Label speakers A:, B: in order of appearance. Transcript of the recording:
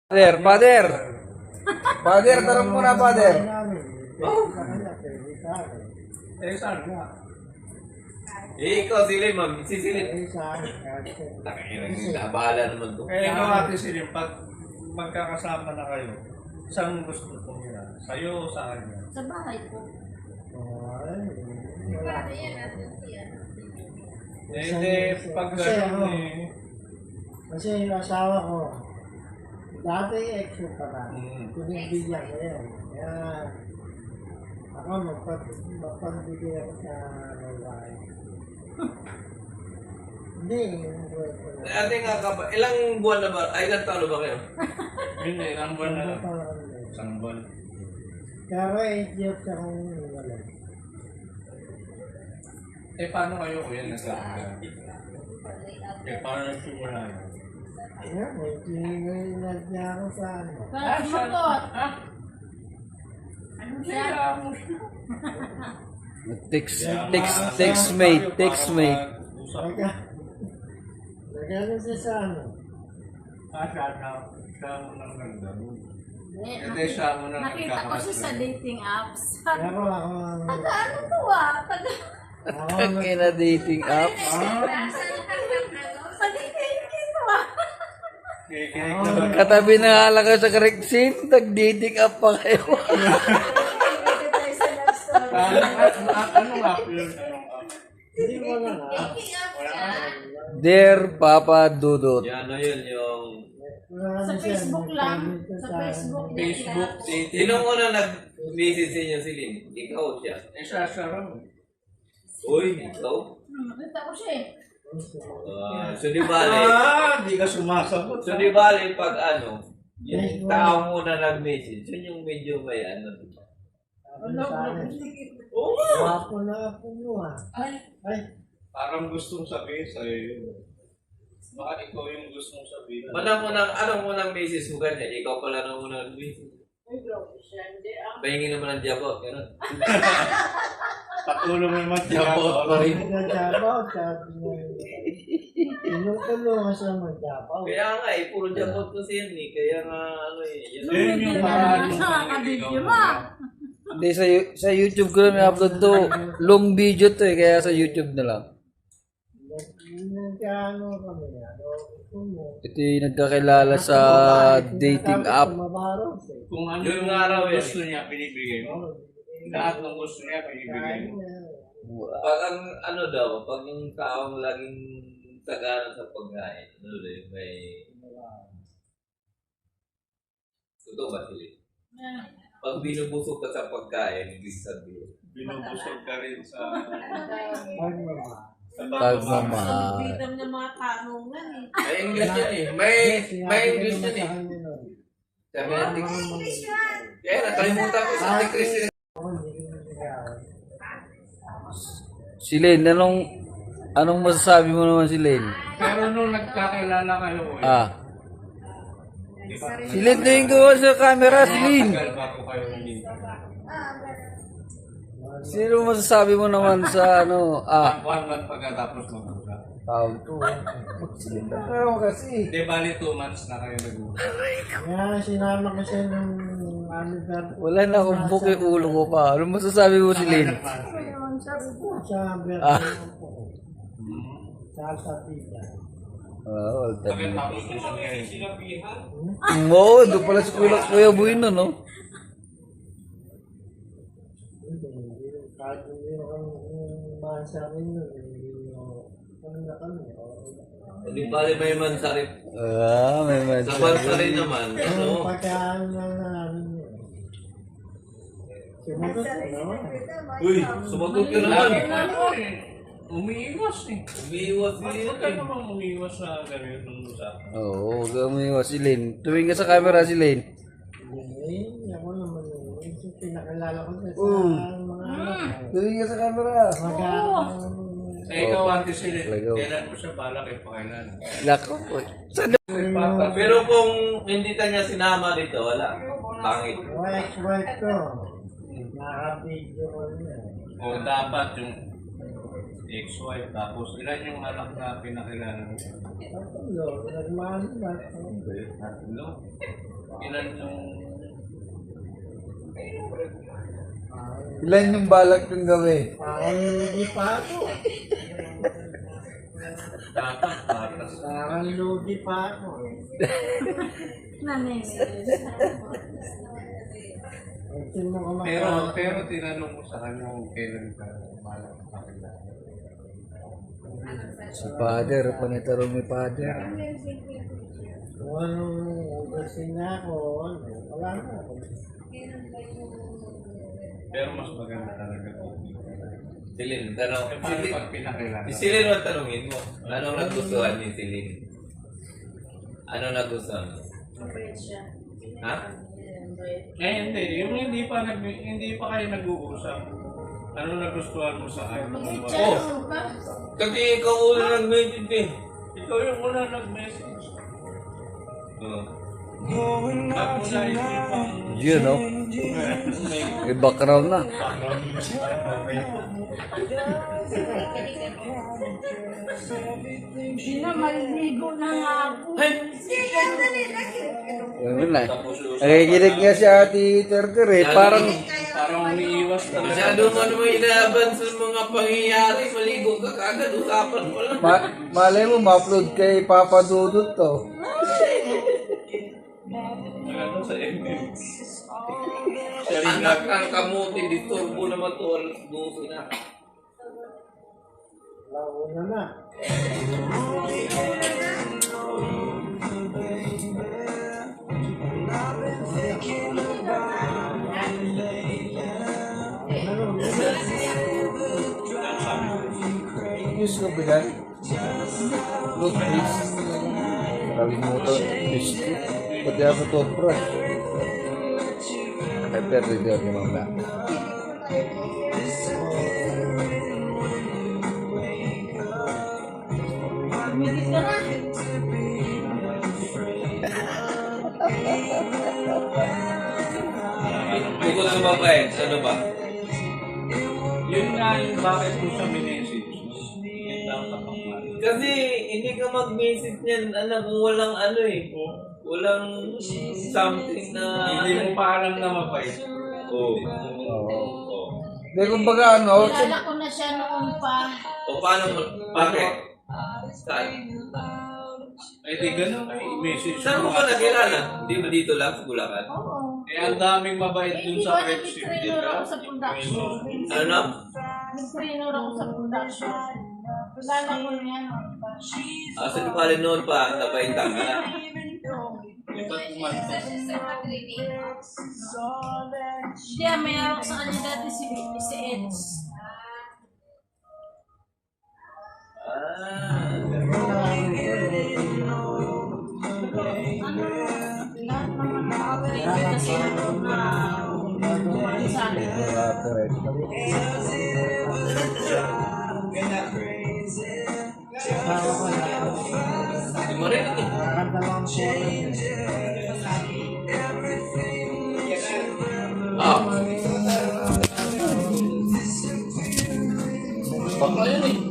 A: Father. Father, tarong muna, Father.
B: Ikaw, Silin, sisilip. Bahala naman to.
C: Ikaw, Ate Silin, pag magkakasama na kayo, saan gusto mo nila? Sa'yo o sa kanya?
D: Sa bahay po.
C: Hindi, pag gano'n eh.
E: Kasi yung asawa ko, dati exo pa na. Pinibigyan ko yan. Kaya ako magpagbigay ako sa babae. Hindi, yung buhay ko na.
B: Ate nga ka ba, ilang buwan na ba? Ay, ilang taon na ba kayo?
C: Hindi, ilang buwan na lang. Isang buwan.
E: Kaya ako 8 years akong wala.
C: Eh, paano kayo kuya nagkakaroon? Eh, paano nagsimula yun?
E: Kaya may tinignan niya ako sa ano.
D: Para sumagot. Ano siya?
A: Text mate.
E: Nagano siya sa ano.
C: Siya mo nang nagdaro. Hindi, siya mo nang
D: Nakita ko siya sa dating apps.
E: Kaya ako
D: Taga ano to ah? Taga...
A: Kina dating app.
D: Sa dating kito ah.
C: Kikinig na ba?
A: Katabi na nga lang kayo sa correct scene, nag-dating app pa kayo.
C: Anong app yun?
E: hindi mo na nga.
D: Dating app siya.
A: Dear Papa Dudut.
B: Yan, ano yun, yung...
D: Sa Facebook lang. Sa Facebook.
C: Facebook,
B: Sinong una nag-message sa inyo, Silin? Ikaw o siya?
C: eh, siya raw.
B: Uy, ikaw?
D: Nakita ko siya eh.
B: So di bale,
C: Di ka sumasagot.
B: so di bale pag ano, yung tao muna nag-message, yun yung medyo may ano.
E: Ano sa akin?
B: Oo nga!
E: Wapo na ako mo ah. Ay,
C: Parang gustong sabihin sa'yo yun. Baka ikaw yung gustong sabihin.
B: Anong unang message mo kanya? Ikaw pala nang unang message. Pahingin naman ng jabot, gano'n.
C: Patulong naman
B: Jabot pa rin.
E: nagjabaw, sabi niya. Tinutulungan siya magjabaw.
B: Kaya nga eh, puro jabot kasi yan eh. Kaya nga ano eh. Yun.
C: Yun yung
D: Nakakabidyo mo.
A: Hindi, sa YouTube ko na upload to. Long video to eh, kaya sa YouTube na lang.
E: Nagkano kami, ano,
A: Ito yung nagkakilala sa dating app.
E: Mabaros eh.
C: Kung ano
B: Yung
C: yung
B: araw yan.
C: gusto niya, binibigay mo. Lahat ng gusto niya, binibigay mo.
B: Pag ang ano daw, pag yung taong laging tagana sa pagkain, ano rin, may... Totoo ba sila? Pag binubusog ka sa pagkain, ibig sabihin.
C: Binubusog ka rin sa...
A: Pagmamahal.
D: Bidam ng mga tanungan eh.
B: May English yan eh. May English yan eh. Sabi natin. Kaya nakalimutan ko sa ating Christian.
A: Si Lane, anong masasabi mo naman si Lane?
C: Pero nung nagkakilala kayo,
A: Si Lane na yung gawa sa camera, si Lane.
C: tagal bago kayo hindi.
A: Sino masasabi mo naman sa ano?
C: One month pagkatapos mag-usap.
A: Tawag to. Ano kasi?
C: Di bali 2 months na kayo nag-usap.
E: Kaya sinama ko siya nung ano
A: Wala na akong book yung ulo ko pa. Ano masasabi mo si Lane?
E: sa
A: Ah.
E: sa pizza.
A: Well done.
C: Pagkatapos usap kayo. Sinabihan?
A: Oo, doon pala sa Kuya Buino, no?
E: Kahit hindi ako sa amin nun, ano na kami,
B: Hindi bali may mansarip.
A: May
B: Sa
A: medyo.
B: bansa rin naman. Ano?
E: pagkaan lang namin yun. Sumagot ko, no?
B: Uy, sumagot ka naman.
C: Umiiwas eh.
B: Umiiwas
C: Huwag
B: din
C: ka
B: eh.
C: naman umiiwas sa ganitong usapan.
A: Oo, gamiwa si Lane. Tuwing ka sa camera si Lane.
E: Hindi, ako naman yun. Yung pinakalala ko sa mga anak.
A: Tuwing ka sa camera.
C: Eh, ikaw, Ate Silin,
A: Talaga.
C: kailan mo siya balak ipakailan?
A: Lako po. Saan
B: Pero kung hindi ka niya sinama dito, wala. Pangit.
E: Wife ko. Nakabidyo ko niya.
C: O dapat yung ex-wife, tapos ilan yung anak na pinakilala mo?
E: Tatlo, nagmahal na.
C: Tatlo. Ilan yung...
A: Ilan yung balak kong gawin?
E: Parang ludi pa ako.
C: Patas.
E: Parang ludi pa ako. Tingnan mo ko
C: Pero tinanong ko sa kanya kung kailan ka malak pa kailan.
A: Si Father, panitarong ni Father.
E: kung anong ugasin na ako, wala na ako.
C: Pero mas maganda talaga ito.
B: Silin, tanong.
C: Paano pag pinakailangan?
B: Si Silin ang tanongin mo. Anong nagustuhan ni Silin? Anong nagustuhan mo?
D: Mabait siya.
B: Ha?
C: Hindi. Yung hindi pa kayo nag-uusap. Ano nagustuhan mo sa akin?
B: Oh! Kasi ikaw una nag-message eh.
C: Ikaw yung una nag-message.
B: Oo.
C: Ba't mo naisipan?
A: Yun, no? May background na.
D: Hindi na, maliligo na nga ako.
A: Yun na. Nakikinig nga si Ate Terter eh. Parang,
C: Parang umiiwas talaga.
B: Masyado mo naman inaaban sa mga pangyayari. Maligo ka kagad. Usapan mo lang.
A: malay mo, ma-upload kay Papa Dudut to.
C: Ano sa email?
B: Anak ng kamuti. Disturbo naman to. Alas 12 na.
E: Launa na.
A: News ko ba yan? Look, please. Kalimutan. Biscuit. Pati ako toothbrush. Ay, pero hindi ako mamaya.
D: Tumigil ka na.
B: Bukod sa babae, ano ba?
C: Yun nga yung bakit ko siya minessage. Yun lang kapangman.
B: Kasi hindi ka mag-message niyan, anak, kung walang ano eh. Walang something na...
C: Hindi mo pa alam na mabait.
B: Oo.
A: Hindi, kumbaga ano,
D: Kilala ko na siya noon pa.
B: O paano mo? Bakit? Saan?
C: Ay di ganun ay message
B: Saan mo ba nakilala? Hindi ba dito lang sa Bulacan?
D: Oo.
C: Eh ang daming mabait dun
D: Hindi
C: sa
D: ba
C: Red Ship, di
D: nag-trainer
C: ba?
D: ako sa production?
B: Ano na?
D: Nag-trainer ako sa production. Kilala ko na yan noon pa.
B: Sa di pala noon pa, napaintang ka na.
C: Iba't man.
D: Hindi, may hawak sa kanya dati si Eds. Lahat naman nakawin kasi ano na kumali sa akin.
B: Hindi mo rin eh.
E: Nakadalawang puro.
B: Ah. Bakla yun eh.